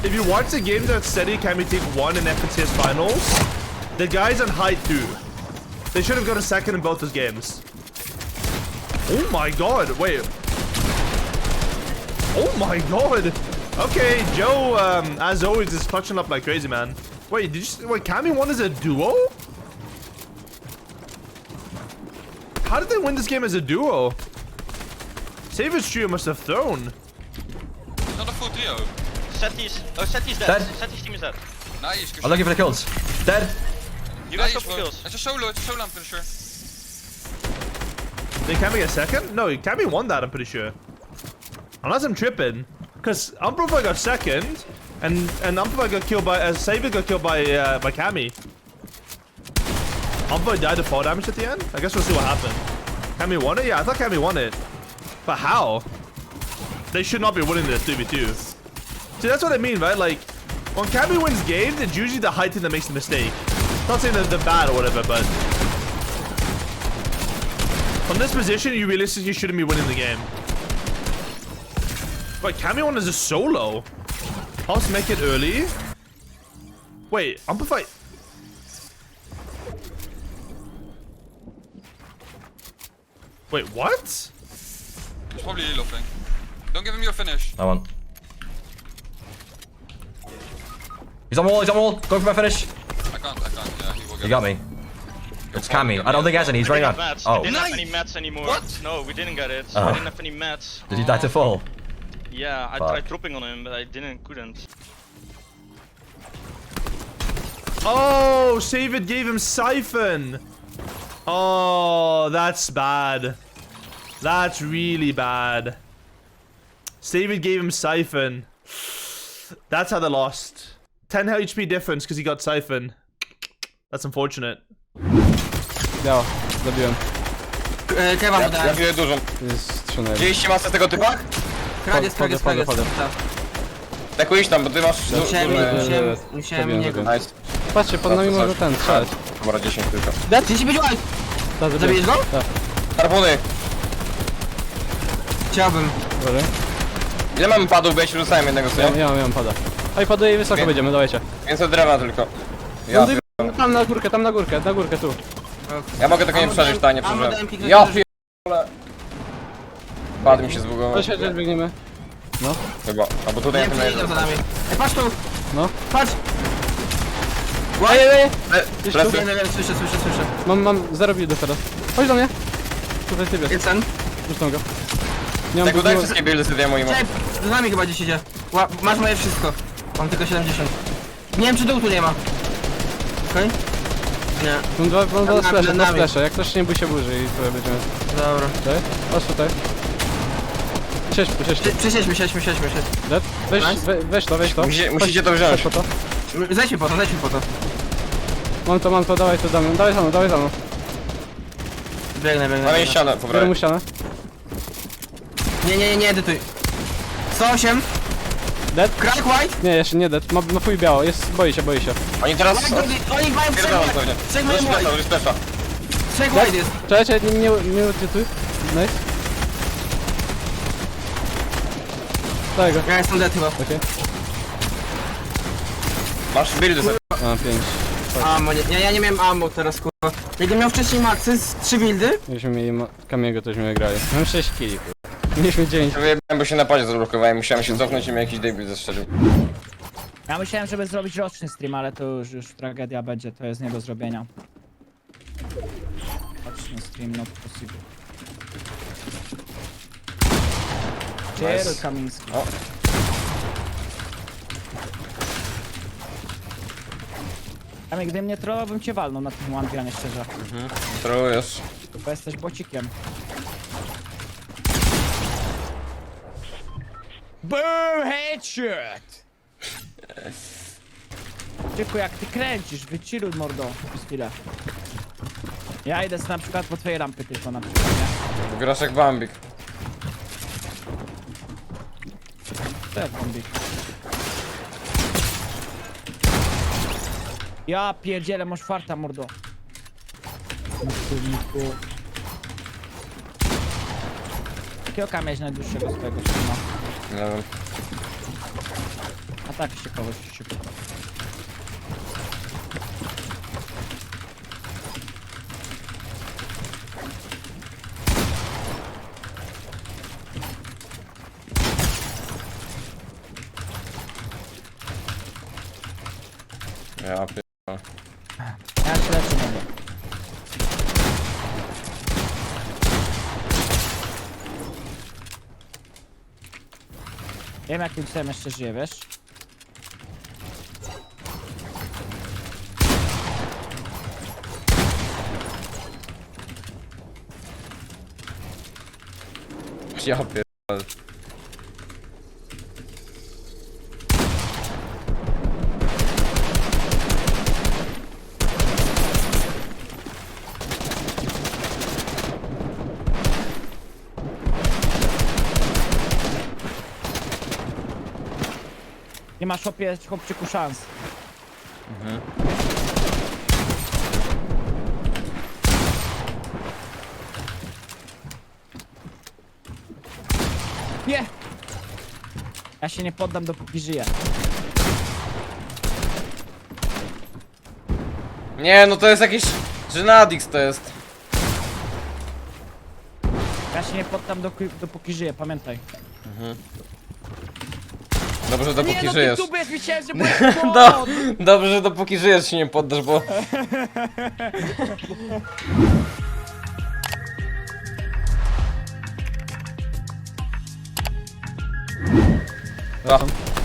If you watch the games that Steady Kami take 1 in FNCS finals, the guy's on height 2. They should have got a second in both those games. Oh my god, wait. Oh my god. Okay, Joe, as always, is clutching up like crazy, man. Wait, wait, Kami won as a duo? How did they win this game as a duo? Savage Trio must have thrown. It's not a full trio. Seti's dead. Dead. Seti's team is dead. Nice. I'm looking for the kills. Dead. You guys Nice, got bro. kills. It's a solo, I'm pretty sure. Did Kami get second? No, Kami won that, I'm pretty sure. Unless I'm tripping. Because Umbrella got second, and Umbrella got killed by, Saber got killed by Kami. Umbrella died to fall damage at the end? I guess we'll see what happened. Kami won it? Yeah, I thought Kami won it. But how? They should not be winning this 2v2. See, that's what I mean, right? Like, when Kami wins games, it's usually the high team that makes the mistake. Not saying that they're bad or whatever, but from this position, you realistically shouldn't be winning the game. Wait, Kami won as a solo. Pulse make it early. Wait, Amplify. Wait, what? It's probably Lilo thing. Don't give him your finish. I won. He's on wall, he's on wall. Going for my finish. I can't, yeah, he will get You got me. It's Kami. I don't think he has any. He's running out. Mats. Oh. We didn't have any mats anymore. What? No, we didn't get it. Oh. We didn't have any mats. Did he die to fall? Yeah, I Fuck. tried dropping on him, but I couldn't. Oh, Save It gave him Siphon. Oh, that's bad. That's really bad. Save It gave him Siphon. That's how they lost. 10 HP difference because he got Siphon. That's unfortunate. Biało, zabiłem. Kewa Ja dałem. widzę dużą. Jest 3 na 1. Widzieliście masę tego typa? Kradziec. Wchodzę. Tak iść tam, bo ty masz Musiałem niego. Nice. Patrzcie, pod nami To może coś. ten strzelać. Dobra, 10 tylko. Dead, 35 white! Tak, Zabijesz go? Tak, Harpuny! Chciałbym. dobra. Ile mamy padów, bo ja się rzucałem jednego sobie? Ja mam pada. Oj, paduje i wysoko Wiem. będziemy, dawajcie. Więcej drewna tylko. No, Ja, tam na górkę, tu. ja mogę tego nie przeżyć, ta nie Ammo przeżyłem. dałem kliknąć, Ja że- pierdolę. Pad mi się zbugował. Chodź, biegniemy. Chyba. Albo tutaj Nie na wiem, tym czy idą za nami. Ej, patrz tu! No. Patrz! Ej! Plecy. Wiem, słyszę. Mam 0 buildy teraz. Chodź do mnie. Tutaj ty wiesz, Jest ten. zresztą go. Nie mam Tego daj buildu. wszystkie buildy sobie moim. Cześć, z nami chyba gdzieś idzie. Masz moje wszystko. Mam tylko 70. Nie wiem, czy dół tu nie ma. Okej? Nie. Mam dwa Nad splasze, nami. Jak ktoś nie bój się burzy i tutaj będziemy. Dobra. Tutaj? Patrz tutaj. Siedź tu. Przesiedźmy. Dead? Nice. Weź to. Musicie to wziąć. Chodź po to. Zejdźmy po to. Mam to, dawaj to damy. Dawaj za mną. Biegnę. Mamy ścianę, po Biorę prawej. mu ścianę. Nie, edytuj. 108. Dead? Crack white. Nie, jeszcze nie dead. Ma fuj biało, boi się. Oni teraz... Oni mają Pierdolą pewnie. trzech mają white. Użyj splasha. Trzech white jest. Czekaj, nie odczytuj. Nice. Daj go. Ja jestem dead chyba. Okej. Masz buildy sobie. Mam 5. Ammo, nie, ja nie miałem ammo teraz, kurwa. Jakbym miał wcześniej maxy z 3 buildy, Jakbyśmy mieli Kamiego, to byśmy grali. Mam 6 killi, kurwa. Mieliśmy 9. Wyjebałem, bo się na padzie zablokowałem. Musiałem się cofnąć i mi jakiś debil zestrzelił. Ja myślałem, żeby zrobić roczny stream, ale to już tragedia będzie, to jest nie do zrobienia. Roczny stream, not possible. Cześć, Kamiński. O. Kamil, gdybym nie trollował, bym cię walnął na tym one szczerze. Trolujesz. Bo jesteś bocikiem. Boom, headshot! Tyku, jak ty kręcisz, wychilluj mordo, przez chwilę. Ja idę na przykład po twojej rampy tylko na przykład, nie? Grasz jak Bambik. To jest bombik. Ja pierdzielę, masz farta, mordo. Kurniku. Jakiego miałeś najdłuższego swojego streama? Nie wiem. A Tak się kogoś szybko. Ja pier... Ja się leczę będę. Wiem jakim cudem jeszcze żyje, wiesz? Ja pier... Nie masz chłopczyku szans. Nie! Ja się nie poddam dopóki żyję. Nie, no to jest jakiś... Żenadix to jest. Ja się nie poddam dopóki żyję, pamiętaj. Dobrze, dopóki nie, żyjesz. No ty myślałem, że byłeś No, dobrze, że dopóki żyjesz się nie poddasz, bo... No.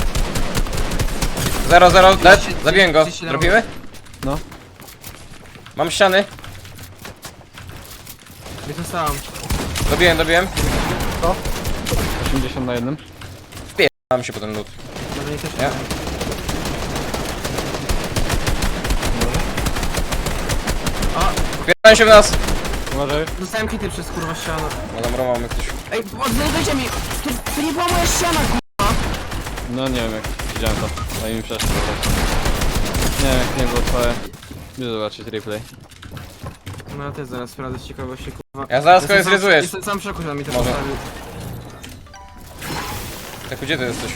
0-0, dead, zabiłem go. Robimy? No. Mam ściany. Nie zostałam. Dobiłem. 80 na jednym. Mam się potem lód. Może nie też Nie? Wpierają się w nas. Uważaj. Dostałem hity przez kurwa ścianę. No dobra, mamy ktoś. Ej, odznajdujcie mi! To nie była moja ściana, kurwa! No nie wiem jak widziałem to. Daj mi przeszło. Nie wiem jak nie było twoje. Idę zobaczyć replay. No ja też zaraz sprawdzę z ciekawości, kurwa. Ja zaraz Jestem kogoś zrezujesz. Jestem sam w szoku, że on mi to Może. postawił. Tak, gdzie ty jesteś?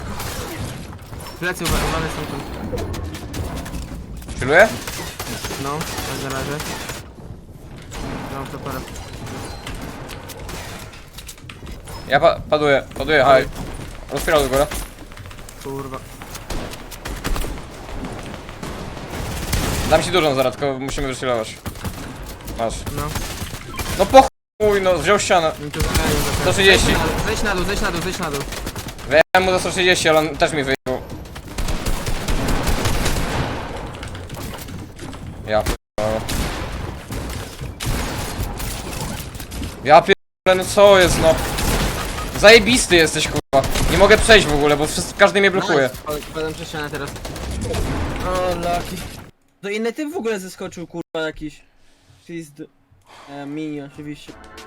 Plecy uwalone są tu. Chilluję? No, tak na razie. Mam to parę. Ja paduję, haj. Rozpierał do góry. Kurwa. Dam ci dużą zaraz, tylko musimy wychillować. Masz. No. No po chuj, no wziął ścianę. Mi tu zagalił za 130. Zejdź na dół. Wyjechałem mu za 130, ale on też mi wyjechał. Ja pierdolę. Ja pierdolę, no co jest no? Zajebisty jesteś kurwa. Nie mogę przejść w ogóle, bo każdy mnie blokuje. Padam przez ścianę teraz. O, laki. To inny typ w ogóle zeskoczył, kurwa, jakiś. Czyli z... Mini oczywiście.